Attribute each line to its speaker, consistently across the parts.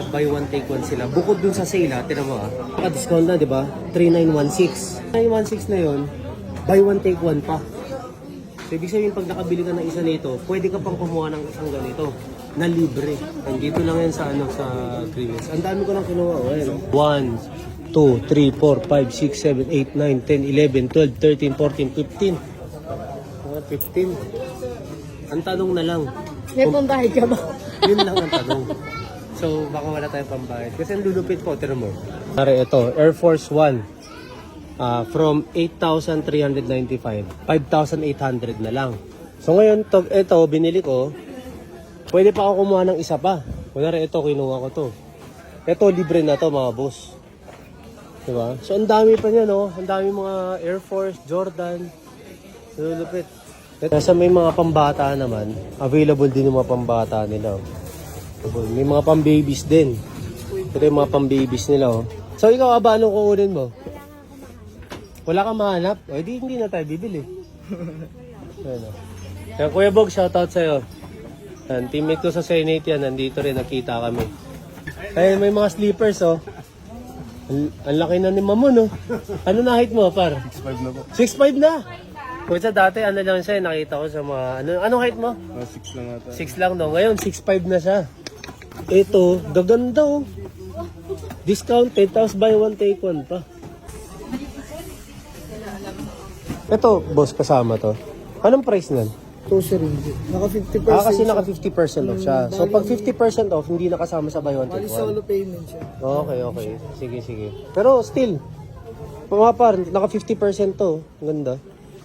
Speaker 1: nag-buy one take one sila. Bukod dun sa sale ha, tinan mo ha. Discount na, di ba? 3916. 916 na yon, buy one take one pa. So, ibig sabihin, pag nakabili ka ng isa nito, pwede ka pang kumuha ng isang ganito na libre. Nandito lang yan sa sa Greenwich. Ang dami ko nang kinuha. 1, 2, 3, 4, 5, 6, 7, 8, 9, 10, 11, 12, 13, 14, 15. Mga 15. Ang tanong na lang.
Speaker 2: May pambayad ka ba?
Speaker 1: Yun lang ang tanong. So, baka wala tayong pambayad. Kasi ang lulupit ko, tira mo. Pare, ito, Air Force One. From 8,395, 5,800 na lang. So ngayon, ito, binili ko. Pwede pa ako kumuha ng isa pa. Kunwari, ito, kinuha ko to. Ito, libre na to, mga boss. Diba? So, ang dami pa niya, no? Ang dami mga Air Force, Jordan. Lulupit. Nasa may mga pambata naman. Available din yung mga pambata nila. May mga pambabies din. Ito yung mga pambabies nila. So, ikaw, aba, anong kukunin mo? Wala kang mahanap? O, hindi na tayo bibili. Ano. Kaya Kuya Bog, shoutout sa'yo. Yan, teammate ko sa Senate yan, nandito rin, nakita kami. Kaya may mga sleepers, oh. Ang laki na ni Mamon, oh. Ano na height mo, par?
Speaker 3: 6'5 na po.
Speaker 1: 6'5 na? Kung sa dati, ano lang siya, nakita ko sa mga, anong height mo?
Speaker 3: 6 lang ata.
Speaker 1: 6 lang, no? Ngayon, 6'5 na siya. Ito, gaganda, oh. Discounted, tapos buy one, take one pa. Ito, boss, kasama to. Anong price nan?
Speaker 2: 2 Naka 50%.
Speaker 1: Kasi naka 50% off siya. So, pag 50% off, hindi nakasama sa buy one, take
Speaker 2: Bali solo
Speaker 1: one.
Speaker 2: payment siya.
Speaker 1: Okay. Sige. Pero still, mga par, naka 50% to. Ang ganda.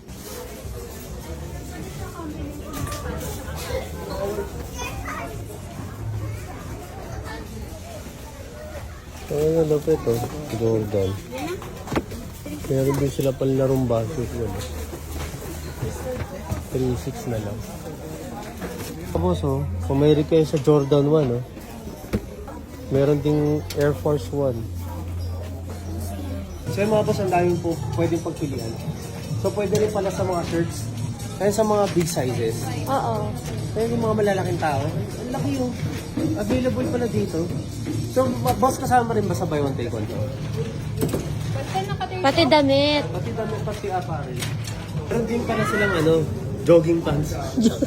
Speaker 1: Ang lupit, oh. Jordan. Meron din sila pala larong basket. 3.6 na lang. Tapos, oh, kung may request sa Jordan 1, oh, meron ding Air Force 1. So, yung mga boss, ang daming po pwedeng pagpilian. So, pwede rin pala sa mga shirts. Kaya sa mga big sizes.
Speaker 2: Oo.
Speaker 1: Kaya yung mga malalaking tao, ang laki yung available pala dito. So, boss, kasama rin ba sa buy one take one to?
Speaker 2: Pati damit.
Speaker 1: Pati damit, pati apparel. Meron din pala silang jogging pants.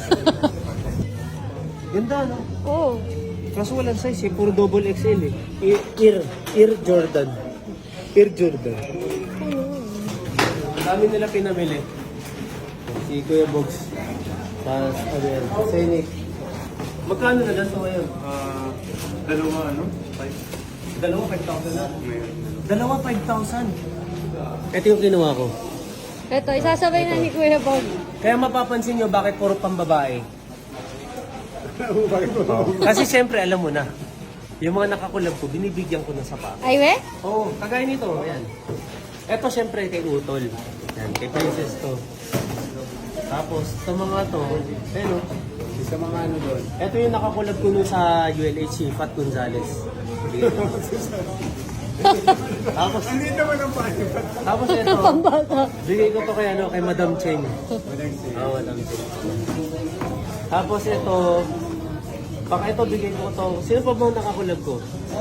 Speaker 1: Ganda, no?
Speaker 2: Oo.
Speaker 1: Kaso walang size eh, puro double XL eh. Air Jordan. Air Jordan. Ang dami nila pinamili. Si Kuya Bogs. Tapos, Scenic. Magkano na ganito ngayon?
Speaker 3: Dalawa 5.
Speaker 1: Dalawa, 5,000 na. Dalawa, 5,000. Ito yung kinuha ko.
Speaker 2: Ito, isasabay na ni Kuya Bob.
Speaker 1: Kaya mapapansin nyo bakit puro pambabae. Kasi siyempre, alam mo na, yung mga nakakulab ko, binibigyan ko ng sapatos.
Speaker 2: Ay, we?
Speaker 1: Oo, kagaya nito, ayan. Ito siyempre kay Utol. Yan, kay Princess to. Tapos, ito mga to, pero,
Speaker 3: Sa mga ano doon.
Speaker 1: ito yung nakakulab ko nun sa ULH, si Fat Gonzales. Tapos,
Speaker 3: Hindi naman ang paano.
Speaker 1: tapos ito,
Speaker 2: Pambata.
Speaker 1: bigay ko to kay Madam Cheng.
Speaker 3: Walang siya.
Speaker 1: Oo, Madam Cheng. Tapos ito, baka ito bigay ko to. Sino pa ba ang nakakulab ko?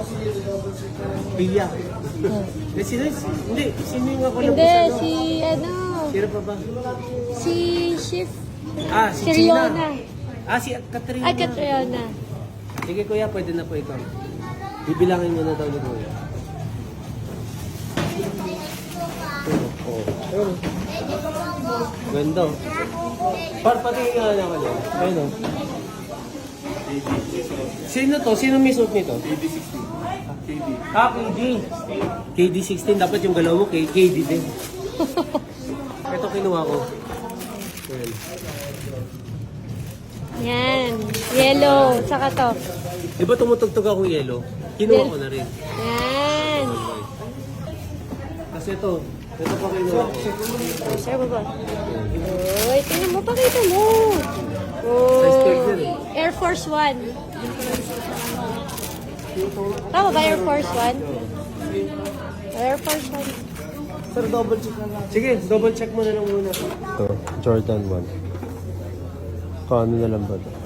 Speaker 1: Pia. Sino yung nakakulab ko
Speaker 2: Hindi,
Speaker 1: sa
Speaker 2: si
Speaker 1: Sino pa ba?
Speaker 2: si Shift.
Speaker 1: Si
Speaker 2: Si
Speaker 1: Gina.
Speaker 2: Riona.
Speaker 1: Si Katrina.
Speaker 2: Ay, Catriona.
Speaker 1: Sige kuya, pwede na po ikaw. Bibilangin mo na daw ni kuya. Oh. Ganda. Pati nga naman yan. Ayun o. Sino to? Sino may suit nito?
Speaker 3: KD16. KD.
Speaker 1: KD. KD16. Dapat yung galaw mo KD din. Ito kinuha ko. Ayan.
Speaker 2: Yan. Yellow. Saka to.
Speaker 1: Di ba tumutugtog akong yellow? Kinuha ko na rin.
Speaker 2: Yan.
Speaker 1: Kasi ito pa kinuha ko.
Speaker 2: Sir, baba. Uy, tingnan mo. Pakita mo.
Speaker 1: Size 12 yan eh.
Speaker 2: Air Force One. Tama ba Air Force One? Air Force One.
Speaker 1: Sir, double check na lang. Sige, double check mo na lang muna. Ito, Jordan 1. Kano na lang ba ito?